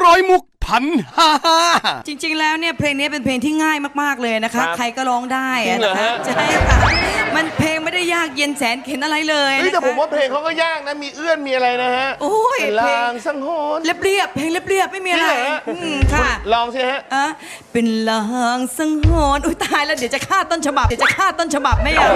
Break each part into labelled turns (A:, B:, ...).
A: ร้อยมุกพันฮ่าฮ่า
B: จริงๆแล้วเนี่ยเพลงนี้เป็นเพลงที่ง่ายมากๆเลยนะคะใครก็ร้องได้
A: จริงเหรอ
B: นะคะ
A: ฮะ
B: ใช่ค่ะมันเพลงไม่ได้ยากเย็นแสนเข็ญอะไรเลย
A: เฮ้ย
B: นะ
A: แต่
B: คะ
A: ผมว่าเพลงเขาก็ยากนะมีเอื้อนมีอะไรนะฮะ
B: โอ้ย
A: เป็นลางสังหรณ์
B: เรียบๆเพลงเรียบๆไม่มีอะไร
A: จริงเหรอฮะ
B: ค่ะ
A: ลองสิฮะ
B: เป็นลางสังหรณ์อุ้ยตายแล้วเดี๋ยวจะฆ่าต้นฉบับไม่เอา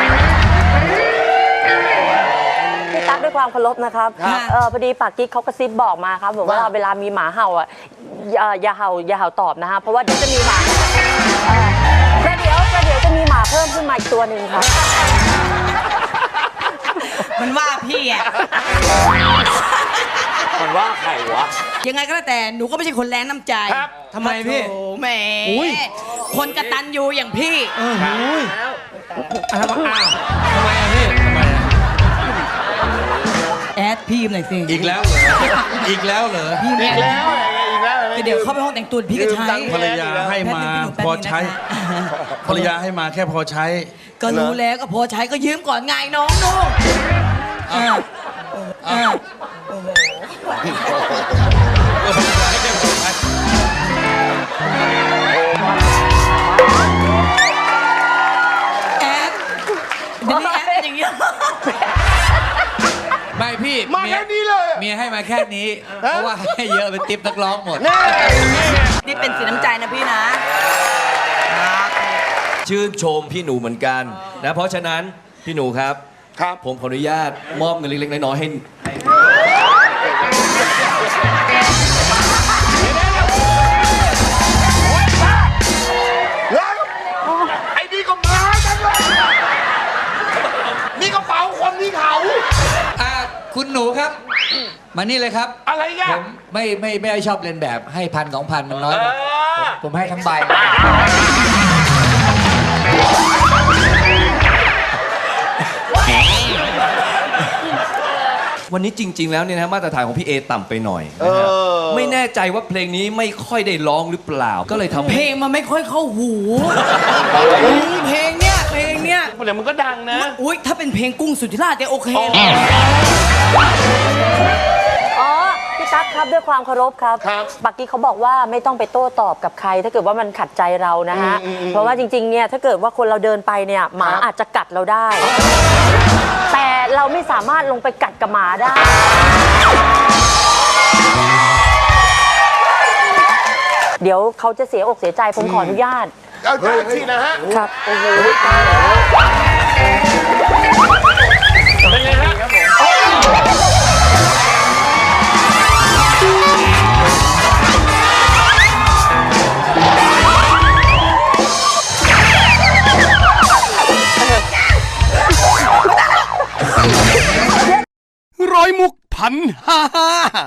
C: พี่ตั๊กด้วยความเคารพนะครับ
B: ครับ
C: พอดีปากกิ๊กเขากระซิบบอกมาครับบอกว่าเวลามีหมาเห่าอ่ะอย่าเห่าตอบนะฮะเพราะว่าเดี๋ยวจะมีหมาประเดี๋ยวจะมีหมาเพิ่มขึ้นมาอีกตัวหนึ่งครับ
B: มันว่าพี่อะ
A: มันว่าใครวะ
B: ยังไงก็แล้วแต่หนูก็ไม่ใช่คนแรงน้ำใจ
A: ครับ
D: ทำไมพี่
B: โอ้แหมคนกตัญญูอย่างพี่
D: ทำไมอะพี่ทำไมอะ
B: แอดพี่หน่อยสิ
D: อีกแล้วเหรอ อีกแล้วเหรอ
B: พี่
A: อี
B: เนี่ย
A: กแล้วอีกแล้ว
B: เดี๋ยวเข้าไปห้องแต่งตัวพี่ก็ใช้
D: ภรรยาให้มาพอใช้ ภรรยาให้มาแค่พอใช้
B: ก็รู้แล้วก็พอใช้ก็ยืมก่อนไงน้องนุ่งแอดเดี๋ยวนี้แอดเป็นอย่างนี้
D: ไม่พี่
A: มาแค่นี้เลย
D: เมียให้มาแค่นี้ เพราะว่าให้เยอะเป็นติ๊บนักร้องหมด
B: นี่เป็นสีน้ำใจนะพี่นะ
E: ชื่นชมพี่หนูเหมือนกันนะเพราะฉะนั้นพี่หนูครับ
A: ครับ
E: ผมขออนุญาตมอบเงินเล็กๆน้อยๆให้
A: แล้วไอ้นี่ก็มาจังเลยนี่กระเป๋าคนนี่เขา
D: คุณหนูครับ มานี่เลยครับ
A: อะไรอ่ะ
D: ผมไม่ชอบเล่นแบบให้1,000-2,000มันน้อยไปผมให้ทั้งใบ
E: วันนี้จริง ๆ แล้วเนี่ยนะมาตรฐานของพี่เอต่ำไปหน่อยนะฮะไม่แน่ใจว่าเพลงนี้ไม่ค่อยได้ร้องหรือเปล่า ก็เลยทำ
B: เพลงมันไม่ค่อยเข้าหูเพลงเนี้ย
A: เดี๋ยวมันก็ดังนะ
B: อุ้ยถ้าเป็นเพลงกุ้งสุธิราชจะโอเค
C: อ๋อพี่ตั๊กครับด้วยความเคารพครับ
A: ครับ
C: ปากกิ๊กเขาบอกว่าไม่ต้องไปโต้ตอบกับใคร ถ้าเกิดว่ามันขัดใจเรานะฮะเพราะว่าจริงๆเนี่ยถ้าเกิดว่าคนเราเดินไปเนี่ยหมาอาจจะกัดเราได้ แต่เราไม่สามารถลงไปกัดกับหมาได้ เดี๋ยวเขาจะเสียอกเสียใจผมขออนุญาต
A: เอาจานสินะฮะ
C: ครับโอ้โห
A: เป็นไงฮะร้อยมุกพันฮ่าฮ่า